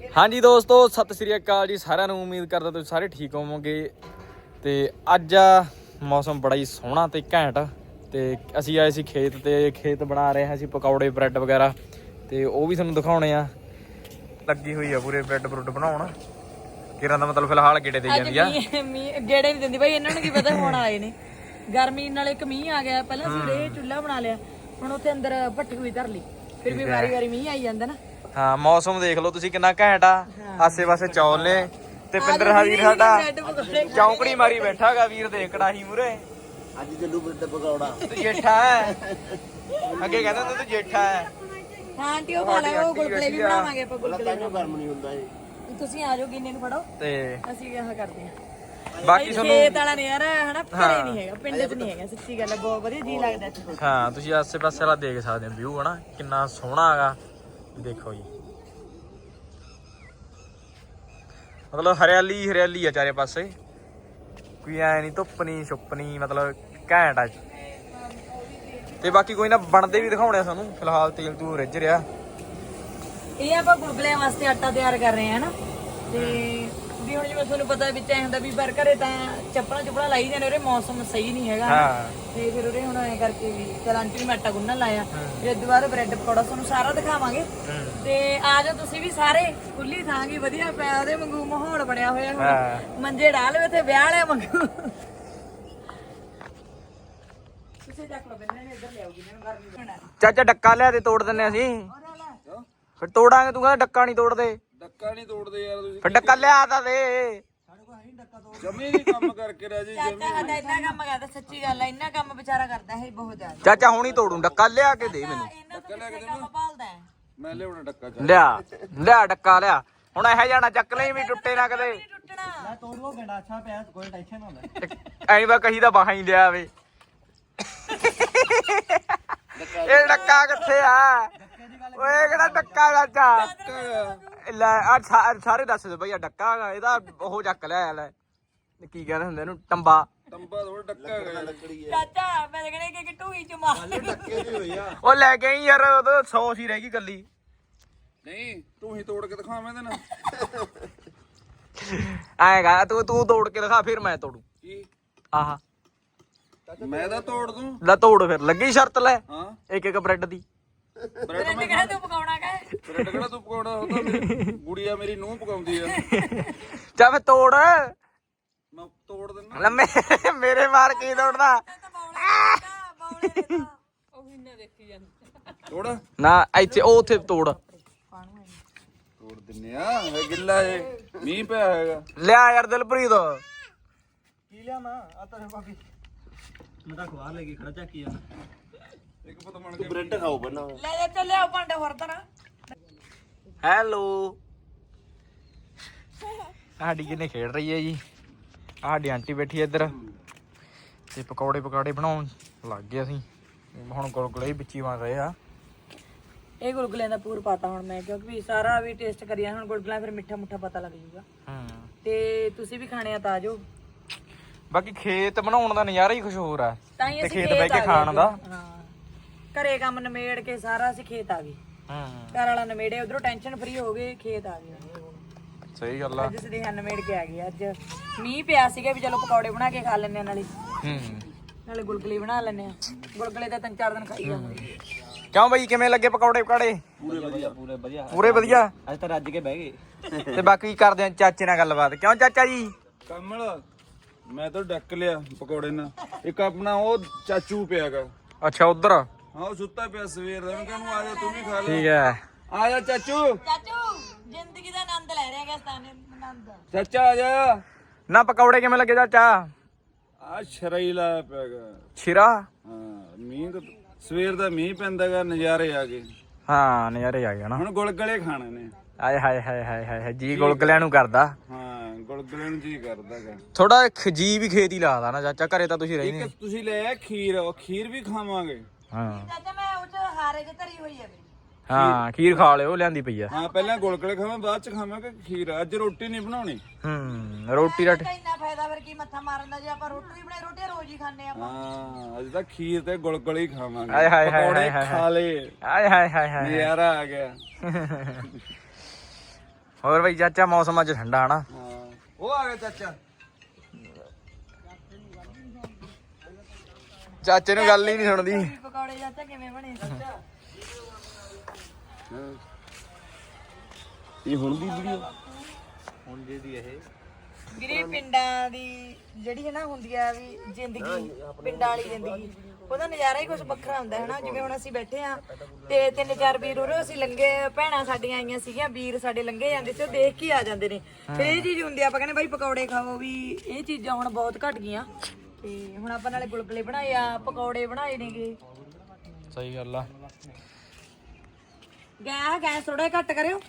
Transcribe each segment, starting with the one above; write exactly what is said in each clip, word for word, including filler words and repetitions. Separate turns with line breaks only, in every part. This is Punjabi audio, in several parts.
ਹਾਂਜੀ ਦੋਸਤੋ, ਸਤਿ ਸ੍ਰੀ ਅਕਾਲ ਜੀ ਸਾਰਿਆਂ ਨੂੰ। ਉਮੀਦ ਕਰਦਾ ਤੁਸੀਂ ਸਾਰੇ ਠੀਕ ਹੋਵੋਗੇ। ਤੇ ਅੱਜ ਆ ਮੌਸਮ ਬੜਾ ਹੀ ਸੋਹਣਾ ਤੇ ਘੈਂਟ। ਤੇ ਅਸੀਂ ਆਏ ਸੀ ਖੇਤ, ਤੇ ਖੇਤ ਬਣਾ ਰਹੇ ਹਾਂ ਅਸੀਂ ਪਕੌੜੇ ਬ੍ਰੈਡ ਵਗੈਰਾ, ਤੇ ਉਹ ਵੀ ਤੁਹਾਨੂੰ ਦਿਖਾਉਣੇ ਆ। ਲੱਗੀ ਹੋਈ ਆ ਪੂਰੇ ਬ੍ਰੈਡ ਬਰੁੱਡ ਬਣਾਉਣ। ਕਿਰਾਂ ਦਾ ਮਤਲਬ ਫਿਲਹਾਲ ਗੇੜੇ ਦੇ ਜਾਂਦੀ ਆ।
ਮੀਂਹ ਗੇੜੇ ਨਹੀਂ ਦਿੰਦੀ ਬਾਈ, ਇਹਨਾਂ ਨੂੰ ਕੀ ਪਤਾ ਹੁਣ ਆਏ ਨੇ। ਗਰਮੀ ਨਾਲ ਇੱਕ ਮੀਂਹ ਆ ਗਿਆ, ਪਹਿਲਾਂ ਸਵੇਰੇ ਚੁੱਲ੍ਹਾ ਬਣਾ ਲਿਆ, ਹੁਣ ਉੱਥੇ ਅੰਦਰ ਭੱਠੀ ਹੋਈ ਧਰ ਲਈ। ਫਿਰ ਵੀ ਵਾਰੀ ਵਾਰੀ ਮੀਂਹ ਆਈ ਜਾਂਦਾ ਨਾ।
ਹਾਂ, ਮੌਸਮ ਦੇਖ ਲਓ ਤੁਸੀਂ ਕਿੰਨਾ ਘੈਂਟ ਆ। ਆਸੇ ਪਾਸੇ ਚੌਲ ਨੇ ਤੇ ਪਿੰਦਰ ਹਾ ਵੀਰ ਸਾਡਾ ਚੌਂਕੜੀ ਮਾਰੀ ਬੈਠਾ ਗਾ। ਵੀਰ ਦੇ ਕੜਾਹੀ ਮੂਰੇ
ਅੱਜ ਜੱਲੂ ਬ੍ਰੈਡ ਪਕੌੜਾ
ਤੂੰ ਜੇਠਾ ਹੈ। ਅੱਗੇ ਕਹਿੰਦਾ ਤੂੰ ਜੇਠਾ ਹੈ।
ਹਾਂ ਆਂਟੀ ਉਹ ਖਾ ਲੈ, ਉਹ ਗੁਲਗੁਲੇ ਵੀ ਬਣਾਵਾਂਗੇ ਆਪਾਂ। ਗੁਲਗੁਲੇ
ਗਰਮ ਨਹੀਂ ਹੁੰਦਾ ਇਹ।
ਤੁਸੀਂ ਆ ਜਾਓ, ਗਿੰਨੇ ਨੂੰ ਫੜੋ
ਤੇ
ਅਸੀਂ ਆਹ ਕਰਦੇ ਹਾਂ।
ਬਾਕੀ ਤੁਹਾਨੂੰ
ਖੇਤ ਵਾਲਾ ਨਹੀਂ ਯਾਰ, ਹਨਾ ਘਰੇ ਨਹੀਂ ਹੈਗਾ, ਪਿੰਡ 'ਚ ਨਹੀਂ ਹੈਗਾ। ਸੱਚੀ ਗੱਲ ਹੈ, ਬਹੁਤ ਵਧੀਆ ਜੀ ਲੱਗਦਾ ਇੱਥੇ।
ਹਾਂ, ਤੁਸੀਂ ਆਸੇ ਪਾਸੇ ਵਾਲਾ ਦੇਖ ਸਕਦੇ ਹੋ ਵਿਊ, ਹਨਾ ਕਿੰਨਾ ਸੋਹਣਾ ਹੈਗਾ। ਦੇਖੋ ਜੀ, ਮਤਲਬ ਹਰਿਆਲੀ ਹਰਿਆਲੀ ਆ ਚਾਰੇ ਪਾਸੇ, ਕੋਈ ਐ ਨਹੀਂ ਧੁੱਪ ਨਹੀਂ ਛੁੱਪ ਨਹੀਂ, ਮਤਲਬ ਘੈਂਟ ਆ। ਤੇ ਬਾਕੀ ਕੋਈ ਨਾ ਬਣਦੇ ਵੀ ਦਿਖਾਉਣੇ ਆ ਸਾਨੂੰ। ਫਿਲਹਾਲ ਤੇਲ ਤੂੰ ਰਿੱਝ ਰਿਹਾ।
ਇਹ ਆਪਾਂ ਗੁਲਗੁਲਿਆਂ ਵਾਸਤੇ ਆਟਾ ਤਿਆਰ ਕਰ ਰਹੇ ਹਾਂ ਨਾ। ਤੇ ਵੀ ਹੁਣ ਜਿਵੇਂ ਤੁਹਾਨੂੰ ਪਤਾ ਵਿੱਚ ਐ ਹੁੰਦਾ ਵੀ ਪਰ ਘਰੇ ਤਾਂ ਚੱਪਲਾਂ ਚੁੱਪਲਾਂ ਲਾਈ ਜਾਂਦੇ, ਉਹਦੇ ਮੌਸਮ ਸਹੀ ਨਹੀਂ ਹੈਗਾ। ਤੇ ਫਿਰ ਉਹਦੇ ਹੁਣ ਐ ਕਰਕੇ ਵੀ ਚਲ ਆਂਟੀ ਨੂੰ ਮੈਂ ਆਟਾ ਗੁੰਨਣ ਲਾਇਆ। ਫਿਰ ਇਸ ਤੋਂ ਬਾਅਦ ਬ੍ਰੈਡ ਪਕੌੜਾ ਤੁਹਾਨੂੰ ਸਾਰਾ ਦਿਖਾਵਾਂਗੇ। ਤੇ ਆ ਜਾਓ ਤੁਸੀਂ ਵੀ ਸਾਰੇ। ਖੁੱਲੀ ਥਾਂ ਗੀ, ਵਧੀਆ ਪਿਆ ਉਹਦੇ ਵਾਂਗੂ ਮਾਹੌਲ ਬਣਿਆ ਹੋਇਆ। ਹੁਣ ਮੰਜੇ ਢਾਹ ਲਵੇ ਤੇ ਵਿਆਹ ਵਾਲਿਆਂ ਵਾਂਗੂ। ਤੁਸੀਂ ਚੱਕ ਲਓ, ਬੰਨੇ ਨੇ ਇੱਧਰ ਲਿਆਉਗੀ ਮੈਨੂੰ ਗਰਮੀ ਬਣਾ।
ਚਾਚਾ ਡੱਕਾ ਲਿਆ ਤੇ ਤੋੜ ਦਿੰਨੇ ਅਸੀਂ। ਫਿਰ ਤੋੜਾਂਗੇ, ਤੂੰ ਕਹਿੰਦਾ ਡੱਕਾ ਨਹੀਂ ਤੋੜਦੇ।
ਡੱਕਾ ਨਹੀਂ ਤੋੜਦੇ ਯਾਰ ਤੁਸੀਂ।
ਫਿਰ ਡੱਕਾ ਲਿਆ ਤਾਂ ਦੇ।
ਜਮੀ ਨਹੀਂ ਕੰਮ ਕਰਕੇ ਰਹਿ ਜੀ।
ਚਾਚਾ ਸਾਡਾ ਇੰਨਾ ਕੰਮ ਕਰਦਾ, ਸੱਚੀ ਗੱਲ ਹੈ, ਇੰਨਾ ਕੰਮ ਵਿਚਾਰਾ ਕਰਦਾ ਹੈ ਬਹੁਤ ਜ਼ਿਆਦਾ।
ਚਾਚਾ ਹੁਣੀ ਤੋੜੂ, ਡੱਕਾ ਲਿਆ ਕੇ ਦੇ ਮੈਨੂੰ।
ਇਹਨਾਂ ਤੋਂ ਕਿੱਥੇ ਕੰਮ ਭਾਲਦਾ ਹੈ।
ਮੈਂ ਲਿਆਉਣਾ ਡੱਕਾ ਚ।
ਲਿਆ ਲਿਆ ਡੱਕਾ ਲਿਆ। ਹੁਣ ਇਹ ਜਾਣਾ ਚੱਕ ਲਈ ਵੀ ਟੁੱਟੇ ਨਾ ਕਦੇ।
ਟੁੱਟਣਾ
ਤੋੜੋ ਗੰਡਾਛਾ ਪਿਆ, ਕੋਈ ਟੈਨਸ਼ਨ ਨਾ ਲੈ।
ਐਂ ਵਾ ਕਹੀ ਦਾ ਬਾਹਾਂ ਹੀ ਲਿਆ ਵੇ। ਇਹ ਡੱਕਾ ਕਿੱਥੇ ਆ? ਓਏ ਕਿਹੜਾ ਡੱਕਾ ਚਾਚਾ? ਲੈ ਆ ਸਾਰੇ ਦੱਸ ਦੇ ਬਈ, ਆ ਡੱਕਾ ਹੈਗਾ ਇਹਦਾ। ਉਹ ਚੱਕ ਲਿਆ ਲੈ, ਕੀ ਕਹਿੰਦੇ ਹੁੰਦੇ ਇਹਨੂੰ, ਟੰਬਾ।
ਟੰਬਾ ਥੋੜਾ ਡੱਕਾ ਹੈਗਾ, ਲੱਕੜੀ ਹੈ।
ਚਾਚਾ ਮੈਂ ਤਾਂ ਕਹਿੰਦਾ ਕਿ ਟੂਈ ਚ ਮਾਰ
ਡੱਕੇ ਦੀ ਹੋਈ ਆ।
ਉਹ ਲੈ ਕੇ ਆਈ ਯਾਰ, ਉਹ ਸੌ ਸੀ ਰਹਿ ਗਈ ਕੱਲੀ।
ਨਹੀਂ ਤੂੰ ਹੀ ਤੋੜ ਕੇ ਦਿਖਾਵੇਂ ਤੇ ਨਾ।
ਆਏਗਾ ਤੂੰ ਤੂੰ ਤੋੜ ਕੇ ਦਿਖਾ, ਫਿਰ ਮੈਂ ਤੋੜੂ।
ਕੀ
ਆਹਾ
ਮੈਂ ਤਾਂ ਤੋੜ ਦੂੰ।
ਲੈ ਤੋੜ ਫਿਰ, ਲੱਗੀ ਸ਼ਰਤ ਲੈ
ਹਾਂ
ਇੱਕ ਇੱਕ ਬ੍ਰੈਡ ਦੀ।
ਬ੍ਰੈਡ
ਮੈਂ ਕਹਿੰਦਾ ਤੂੰ ਪਕਾਉਣਾ ਕਾ
ਬ੍ਰੈਡ ਕਿਹੜਾ ਤੂੰ ਪਕਾਉਣਾ? ਉਹ ਤਾਂ ਮੇਰੀ ਗੁੜੀਆ ਮੇਰੀ ਨੂੰਹ ਪਕਾਉਂਦੀ ਆ।
ਚੱਲ ਫਿਰ ਤੋੜ।
ਮੈਂ ਤੋੜ ਦਿੰਦਾ।
ਲੰਮੇ ਮੇਰੇ ਮਾਰ ਕੀ ਤੋੜਦਾ?
ਉਹ ਵੀ ਨਾ ਦੇਖੀ ਜਾਂਦਾ।
ਤੋੜ
ਨਾ ਇੱਥੇ, ਉਹ ਉੱਥੇ ਤੋੜ।
ਤੋੜ ਦਿੰਨੇ ਆ। ਇਹ ਗਿੱਲਾ ਏ, ਮੀਂਹ ਪਿਆ ਹੈਗਾ।
ਲਿਆ ਯਾਰ ਦਿਲਪ੍ਰੀਤ।
ਕੀ ਲਿਆ ਮੈਂ ਆ ਤਾਂ ਬਾਕੀ ਮੈਂ ਤਾਂ ਖਵਾ ਲੈ ਗਈ ਖੜਾ ਚੱਕੀ ਆ। ਇੱਕ ਪਤ ਬਣ ਕੇ ਬ੍ਰੈਡ ਖਾਓ ਬਣਾ।
ਲੈ ਜਾ ਚੱਲਿਆ ਭਾਂਡੇ ਹੋਰ ਤਾਂ ਨਾ।
ਹੈਲੋ, ਸਾਡੀ ਕਿੰਨੇ ਖੇਡ ਰਹੀ ਹੈ ਜੀ। ਸਾਡੀ ਆਂਟੀ ਬੈਠੀ ਹੈ ਇੱਧਰ, ਤੇ ਪਕੌੜੇ ਪਕੌੜੇ ਬਣਾਉਣ ਲੱਗ ਗਏ ਅਸੀਂ। ਹੁਣ ਗੁਲਗੁਲੇ ਹੀ ਵਿੱਚੀ ਬਣ ਰਹੇ ਆ।
ਇਹ ਗੁਲਗੁਲਿਆਂ ਦਾ ਪੂਰ ਪਾਤਾ ਹੁਣ ਮੈਂ, ਕਿਉਂਕਿ ਵੀ ਸਾਰਾ ਵੀ ਟੇਸਟ ਕਰਿਆ। ਹੁਣ ਗੁਲਗੁਲਾ ਫਿਰ ਮਿੱਠਾ ਮੁੱਠਾ ਪਤਾ ਲੱਗ ਜਾਊਗਾ।
ਹੂੰ,
ਤੇ ਤੁਸੀਂ ਵੀ ਖਾਣੇ ਆ ਤਾਂ ਆ ਜਾਓ।
ਬਾਕੀ ਖੇਤ ਬਣਾਉਣ ਦਾ ਨਜ਼ਾਰਾ ਹੀ ਕੁਝ ਹੋਰ ਆ।
ਤਾਂ ਹੀ
ਤੇ
ਅਸੀਂ
ਖੇਤ ਬਹਿ ਕੇ ਖਾਣ ਦਾ।
ਹਾਂ, ਘਰੇ ਕੰਮ ਨਿਮੇੜ ਕੇ ਸਾਰਾ ਅਸੀਂ ਖੇਤ ਆ ਗਏ।
ਹੂੰ,
ਘਰ ਵਾਲਾ ਨਿਮੇੜੇ, ਉਧਰੋਂ ਟੈਨਸ਼ਨ ਫਰੀ ਹੋ ਗਏ, ਖੇਤ ਆ ਗਏ।
ਸਹੀ ਗੱਲ ਆ।
ਅੱਜ ਸਦੇਹਾ ਨਿਮੇੜ ਕੇ ਆ ਗਏ। ਅੱਜ ਮੀਂਹ ਪਿਆ ਸੀਗਾ ਵੀ ਚਲੋ ਪਕੌੜੇ ਬਣਾ ਕੇ ਖਾ ਲੈਣੇ ਆ, ਨਾਲੇ
ਹੂੰ,
ਨਾਲੇ ਗੁਲਗੁਲੇ ਬਣਾ ਲੈਣੇ ਆ। ਗੁਲਗੁਲੇ ਤਾਂ ਤਿੰਨ ਚਾਰ ਦਿਨ ਖਾਈ ਜਾਵਾਂਗੇ।
ਕਿਉਂ ਬਈ, ਕਿਵੇਂ ਲੱਗੇ ਪਕੌੜੇ ਪਕਾੜੇ?
ਪੂਰੇ ਵਧੀਆ ਪੂਰੇ ਵਧੀਆ
ਪੂਰੇ ਵਧੀਆ।
ਅੱਜ ਤਾਂ ਰੱਜ ਕੇ ਬਹਿ ਗਏ।
ਤੇ ਬਾਕੀ ਕਰਦੇ ਆ ਚਾਚੇ ਨਾਲ ਗੱਲਬਾਤ। ਕਿਉਂ ਚਾਚਾ ਜੀ?
ਕਮਲ ਮੈਂ ਤਾਂ ਡੱਕ ਲਿਆ ਪਕੌੜੇ ਨਾਲ। ਇੱਕ ਆਪਣਾ ਉਹ ਚਾਚੂ ਪਿਆਗਾ।
ਅੱਛਾ ਉਧਰ।
ਹਾਂ ਉਹ ਸੁੱਤਾ ਪਿਆ ਸਵੇਰ ਦਾ। ਮੈਂ ਕਹਿੰਦਾ ਆ ਜਾ ਤੂੰ ਵੀ ਖਾ ਲੈ।
ਠੀਕ ਹੈ,
ਆ ਜਾ ਚਾਚੂ।
ਚਾਚੂ ਜ਼ਿੰਦਗੀ ਦਾ ਆਨੰਦ ਲੈ ਰਿਹਾ ਗਸਤਾਨ ਆਨੰਦ।
ਚਾਚਾ ਆ ਜਾ।
ਨਾ ਪਕੌੜੇ ਕਿਵੇਂ ਲੱਗੇ ਚਾਚਾ?
ਆ ਸ਼ਰਾਈ ਲਾਇਆ ਪਿਆਗਾ।
ਛਿਰਾ।
ਹਾਂ ਮੀਂਹ ਤਾਂ ਸਵੇਰ ਦਾ ਮੀਂਹ ਪੈਂਦਾਗਾ, ਨਜ਼ਾਰੇ ਆ ਗਏ।
ਹਾਂ ਨਜ਼ਾਰੇ ਆ ਗਏ ਨਾ।
ਹੁਣ ਗੁਲਗਲੇ ਖਾਣੇ ਨੇ।
ਆਏ ਹਾਏ ਹਾਏ ਹਾਏ ਹਾਏ, ਜੀ ਗੁਲਗਲਿਆਂ ਨੂੰ ਕਰਦਾ।
ਹਾਂ ਗੁਲਗਲੇ ਨੂੰ ਜੀ ਕਰਦਾਗਾ।
ਥੋੜਾ ਖਜੀ ਵੀ ਖੇਤ ਹੀ ਲਾਦਾ ਨਾ ਚਾਚਾ, ਘਰੇ ਤਾਂ ਤੁਸੀਂ ਰਹਿੰਦੇ।
ਇੱਕ ਤੁਸੀਂ ਲੈ ਆ ਖੀਰ, ਉਹ ਖੀਰ ਵੀ ਖਾਵਾਂਗੇ।
ਹਾਂ
ਚਾਚਾ ਮੈਂ ਉਹ ਚ ਹਾਰੇ ਚ ਧਰੀ ਹੋਈ ਹੈ ਮੇਰੀ।
ਹਾਂ, ਖੀਰ ਖਾ ਲਿਓ, ਲਿਆਂਦੀ ਪਈ ਆ।
ਹਾਂ ਪਹਿਲਾਂ ਗੁਲਗਲੇ ਖਾਵਾਂ, ਬਾਅਦ ਚ ਖਾਵਾਂਗੇ ਖੀਰ। ਅੱਜ ਰੋਟੀ ਨਹੀਂ ਬਣਾਉਣੀ।
ਹੂੰ, ਰੋਟੀ ਰਾਟੀ।
ਇੰਨਾ ਫਾਇਦਾ ਫਿਰ ਕੀ ਮੱਥਾ ਮਾਰਨ ਦਾ, ਜੇ ਆਪਾਂ ਰੋਟੀ ਬਣਾਈ, ਰੋਟੀ ਰੋਜ਼ ਹੀ ਖਾਂਦੇ ਆ।
ਹਾਂ ਅੱਜ ਤਾਂ ਖੀਰ ਤੇ ਗੁਲਗਲੇ ਹੀ ਖਾਵਾਂਗੇ।
ਆਏ ਹਾਏ ਹਾਏ
ਪਕੌੜੇ
ਹਾਏ
ਖਾ ਲਏ,
ਆਏ ਹਾਏ ਹਾਏ ਹਾਏ।
ਨਜ਼ਾਰਾ ਆ ਗਿਆ।
ਹੋਰ ਬਈ ਚਾਚਾ ਮੌਸਮ ਅੱਜ ਠੰਡਾ ਹਨਾ?
ਹਾਂ ਉਹ ਆ ਗਿਆ ਚਾਚਾ।
ਚਾਚੇ ਨੂੰ ਗੱਲ ਹੀ ਨਹੀਂ ਸੁਣਦੀ।
ਪਕੌੜੇ ਚਾਚਾ ਕਿਵੇਂ ਬਣੇ?
ਇਹ ਹੁਣ ਦੀ ਵੀਡੀਓ ਹੁਣ ਦੀ ਇਹ
ਵੀਰੇ ਪਿੰਡਾਂ ਦੀ ਜਿਹੜੀ ਹੈ ਨਾ ਹੁੰਦੀ ਆ ਵੀ ਜ਼ਿੰਦਗੀ, ਪਿੰਡਾਂ ਵਾਲੀ ਜ਼ਿੰਦਗੀ, ਉਹਦਾ ਨਜ਼ਾਰਾ ਹੀ ਕੁਝ ਵੱਖਰਾ ਹੁੰਦਾ ਹੈ ਨਾ। ਜਿਵੇਂ ਹੁਣ ਅਸੀਂ ਬੈਠੇ ਆ ਤੇ ਤਿੰਨ ਚਾਰ ਵੀਰ ਉਰੋਂ ਅਸੀਂ ਲੰਘੇ, ਭੈਣਾਂ ਸਾਡੀਆਂ ਆਈਆਂ ਸੀਗੀਆਂ, ਵੀਰ ਸਾਡੇ ਲੰਘੇ ਜਾਂਦੇ ਸੀ, ਉਹ ਦੇਖ ਕੇ ਆ ਜਾਂਦੇ ਨੇ। ਫਿਰ ਇਹ ਚੀਜ਼ ਹੁੰਦੀ ਆ, ਆਪਾਂ ਕਹਿੰਦੇ ਬਾਈ ਪਕੌੜੇ ਖਾਓ, ਵੀ ਇਹ ਚੀਜ਼ਾਂ ਹੁਣ ਬਹੁਤ ਘਟ ਗਈਆਂ। ਤੇ ਹੁਣ ਆਪਾਂ ਨਾਲੇ ਗੁਲਗੁਲੇ ਬਣਾਏ ਆ, ਪਕੌੜੇ ਬਣਾਏ ਨੇਗੇ।
ਸਹੀ ਗੱਲ ਆ।
ਗੈਸ ਗੈਸ ਥੋੜਾ ਜਿਹਾ ਘੱਟ ਕਰਿਓ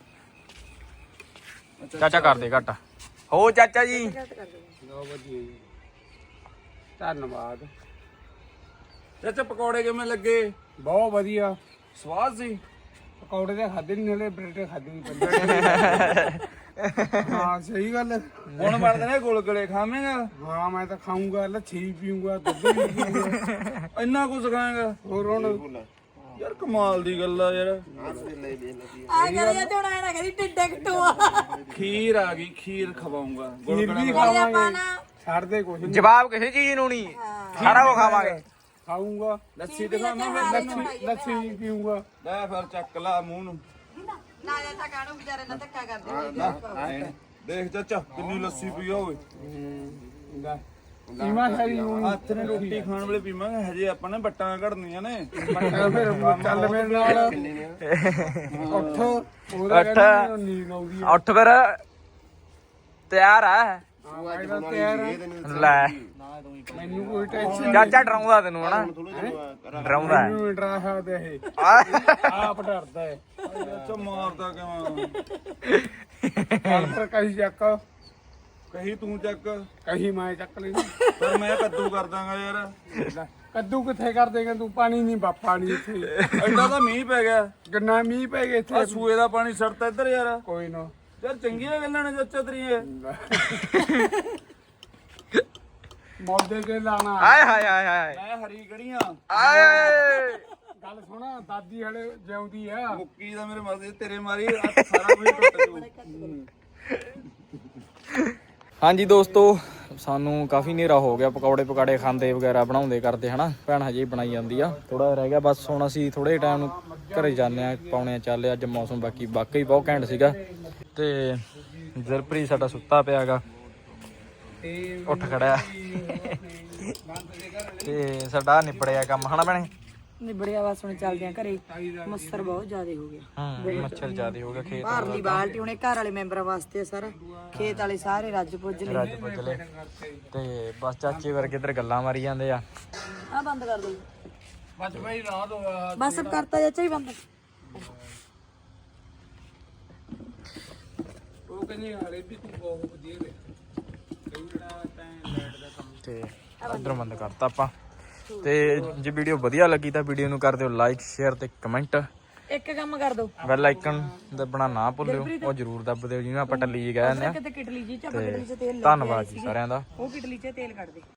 ਚਾਚਾ ਕਰਦੇ ਘੱਟ। ਹੋ ਚਾਚਾ ਜੀ
ਬਹੁਤ ਵਧੀਆ ਜੀ, ਧੰਨਵਾਦ। ਚਾਚਾ ਪਕੌੜੇ ਕਿਵੇਂ ਲੱਗੇ?
ਬਹੁਤ ਵਧੀਆ
ਸਵਾਦ ਸੀ।
ਪਕੌੜੇ ਤਾਂ ਖਾਦੇ ਨਹੀਂ, ਨਾਲੇ ਬ੍ਰੈਡ ਖਾਦੇ ਨਹੀਂ ਪੈਂਦੇ। ਹਾਂ ਸਹੀ ਗੱਲ ਹੈ।
ਹੁਣ ਬਣਦੇ ਨੇ ਗੁਲਗੁਲੇ, ਖਾਵੇਂਗਾ?
ਹਾਂ ਮੈਂ ਤਾਂ ਖਾਊਂਗਾ, ਲੱਛੀ ਪੀਊਂਗਾ, ਦੁੱਧ ਵੀ ਪੀਊਂਗਾ।
ਇੰਨਾ ਕੁਝ ਖਾਏਗਾ?
ਹੋਰ ਹੁਣ
ਯਾਰ ਕਮਾਲ ਦੀ ਗੱਲ ਆ ਯਾਰ।
ਆ ਕਰਿਆ ਤੇ ਹੁਣ ਆਇਆ ਨਾ ਕਰੀ ਟਿੱਡੇ ਕਟੂਆ।
ਖੀਰ ਆ ਗਈ, ਖੀਰ ਖਵਾਉਂਗਾ।
ਖੀਰ ਵੀ
ਨਾਲੇ
ਖਾਵਾਂਗੇ,
ਆਪਾਂ ਨਾ
ਛੱਡ ਦੇ ਕੁਛ ਨਹੀਂ।
ਜਵਾਬ ਕਿਸੇ ਚੀਜ਼ ਨੂੰ ਨਹੀਂ, ਸਾਰਾ ਕੁਝ ਖਾਵਾਂਗੇ।
ਖਾਊਂਗਾ,
ਲੱਸੀ ਦਿਖਾਵਾਂ ਮੈਂ?
ਲੱਛੀ ਲੱਛੀ ਵੀ ਪੀਊਂਗਾ।
ਲੈ ਫਿਰ ਚੱਕ ਲਾ ਮੂੰਹ ਨੂੰ।
ਨਾ ਚਾਚਾ ਕਾਣੂ ਵਿਚਾਰੇ ਨਾਲ ਧੱਕਾ ਕਰਦੇ।
ਦੇਖ ਚਾਚਾ ਕਿੰਨੀ ਲੱਸੀ ਪੀ ਹੋਵੇ।
ਲੈ ਕੀਮਾ ਸਾਰੀ ਨੂੰ
ਹੱਥ ਨੇ ਰੋਟੀ ਖਾਣ ਵੇਲੇ ਪੀਵਾਂਗੇ, ਹਜੇ ਆਪਾਂ ਨੇ ਬੱਟਾਂ ਘੜਨੀਆਂ ਨੇ।
ਬੱਟਾ ਫਿਰ ਚੱਲ ਮੇਰੇ ਨਾਲ ਉੱਠ, ਉਹਦਾ
ਉੱਠ।
ਕਹਿੰਦਾ ਨੀਂਦ ਆਉਂਦੀ ਹੈ।
ਉੱਠ ਫਿਰ, ਤਿਆਰ ਆ?
ਹਾਂ ਮੈਂ ਤਾਂ ਤਿਆਰ ਹਾਂ।
ਲੈ
ਮੈਨੂੰ ਕੋਈ ਟੈਨਸ਼ਨ
ਚਾਚਾ ਡਰਾਉਂਦਾ ਤੈਨੂੰ ਹਨਾ? ਡਰਾਉਂਦਾ ਹੈ।
ਨਹੀਂ, ਡਰਾ ਸਕਦਾ ਇਹ,
ਆਹ,
ਆਪ ਡਰਦਾ ਹੈ।
ਚਾਚਾ ਮਾਰਦਾ ਕਿਵੇਂ?
ਚੱਲ ਫਿਰ ਕਹੀ ਚੱਕ,
ਕਹੀ ਤੂੰ ਚੱਕ,
ਕਹੀ ਮੈਂ ਚੱਕ ਲਈ।
ਪਰ ਮੈਂ ਕੱਦੂ ਕਰ ਦਾਂਗਾ ਯਾਰ।
ਕੱਦੂ ਕਿੱਥੇ ਕਰ ਦੇਗਾ ਤੂੰ? ਪਾਣੀ ਨਹੀਂ ਬਾਪਾ ਨਹੀਂ ਇੱਥੇ।
ਐਡਾ ਤਾਂ ਮੀਂਹ ਪੈ ਗਿਆ,
ਗੰਨਾ ਮੀਂਹ ਪੈ ਗਿਆ
ਆ
ਇੱਥੇ।
ਸੂਏ ਦਾ ਪਾਣੀ ਸੜਤਾ ਇੱਧਰ ਯਾਰ।
ਕੋਈ ਨਾ
ਯਾਰ ਚੰਗੀਆਂ ਗੱਲਾਂ ਨੇ ਚਾਚਾ ਤੇਰੀਆਂ।
ਮੌਦੇ ਕੇ ਲਾਣਾ।
ਆਏ ਹਾਏ ਹਾਏ ਹਾਏ
ਮੈਂ ਹਰੀ ਗੜੀਆਂ
ਆਏ।
ਗੱਲ ਸੁਣਾ, ਦਾਦੀ ਹਲੇ ਜਿਉਂਦੀ ਆ।
ਮੁੱਕੀ ਦਾ ਮੇਰੇ ਮਰਦੇ ਤੇਰੇ ਮਾਰੀ ਆ ਸਾਰਾ ਕੁਝ ਟੁੱਟ ਜੂ।
ਹਾਂਜੀ ਦੋਸਤੋ, ਸਾਨੂੰ ਕਾਫੀ ਹਨੇਰਾ ਹੋ ਗਿਆ। ਪਕੌੜੇ ਪਕਾੜੇ ਖਾਂਦੇ ਵਗੈਰਾ ਬਣਾਉਂਦੇ ਕਰਦੇ ਹਨਾ। ਭੈਣ ਹਜੇ ਹੀ ਬਣਾਈ ਜਾਂਦੀ ਆ, ਥੋੜਾ ਰਹਿ ਗਿਆ ਬਸ। ਹੁਣ ਅਸੀਂ ਥੋੜੇ ਟਾਈਮ ਨੂੰ ਘਰੇ ਜਾਂਦੇ ਆ, ਪੌਣੇ ਚੱਲੇ। ਅੱਜ ਮੌਸਮ ਬਾਕੀ ਵਾਕਈ ਬਹੁਤ ਘੈਂਟ ਸੀਗਾ। ਤੇ ਜ਼ਰਪ੍ਰੀਤ ਸਾਡਾ ਸੁੱਤਾ ਪਿਆਗਾ, ਉੱਠ ਖੜਿਆ। ਤੇ ਸਾਡਾ ਨਿਪੜਿਆ ਕੰਮ ਹਨਾ ਭੈਣੇ?
ਨਿਬੜਿਆ ਬਸ, ਹੁਣ ਚੱਲਦੇ ਆ ਘਰੇ। ਮੱਛਰ ਬਹੁਤ ਜ਼ਿਆਦਾ ਹੋ ਗਿਆ।
ਹੂੰ ਮੱਛਰ ਜ਼ਿਆਦੇ ਹੋ ਗਿਆ। ਖੇਤ
ਬਾਹਰਲੀ ਬਾਲਟੀ ਹੁਣੇ ਘਰ ਵਾਲੇ ਮੈਂਬਰਾਂ ਵਾਸਤੇ ਸਾਰਾ, ਖੇਤ ਵਾਲੇ ਸਾਰੇ ਰੱਜ ਪੁੱਜ ਲਏ।
ਰੱਜ ਪੁੱਜ ਲਏ। ਤੇ ਬਸ ਚਾਚੇ ਵਰਗੇ ਇੱਧਰ ਗੱਲਾਂ ਮਾਰੀ ਜਾਂਦੇ ਆ।
ਆ ਬੰਦ ਕਰ ਦੋ
ਬਸ ਭਾਈ ਰਾਤ ਹੋ
ਬਸ, ਸਭ ਕਰਤਾ ਚਾਚਾ ਹੀ ਬੰਦ।
ਉਹ ਕਹਿੰਦੇ ਹਲੇ ਵੀ ਤੂੰ ਬਹੁਤ ਵਧੀਆ ਵੇ।
ਤੇ ਇੱਧਰ ਬੰਦ ਕਰਤਾ ਆਪਾਂ। ਤੇ ਜੇ ਵੀਡੀਓ ਵਧੀਆ ਲੱਗੀ ਤਾਂ ਵੀਡੀਓ ਨੂੰ ਕਰ ਦਿਓ ਲਾਈਕ, ਸ਼ੇਅਰ ਤੇ ਕਮੈਂਟ।
ਇੱਕ ਕੰਮ ਕਰ ਦੋ,
ਬੈਲ ਆਈਕਨ ਦੱਬਣਾ ਨਾ ਭੁੱਲਿਓ, ਉਹ ਜ਼ਰੂਰ ਦੱਬ ਦਿਓ, ਜਿਹਨੂੰ ਆਪਾਂ ਟੱਲੀ ਜੀ ਕਹਿੰਦੇ ਆ।
ਕਿਤੇ ਕਿਟਲੀ ਜੀ ਚ ਆਪਾਂ ਕਿਟਲੀ ਚ ਤੇਲ
ਧੰਨਵਾਦ ਜੀ ਸਾਰਿਆਂ ਦਾ।
ਉਹ ਕਿਟਲੀ ਚ ਤੇਲ ਕੱਢ ਦੇ।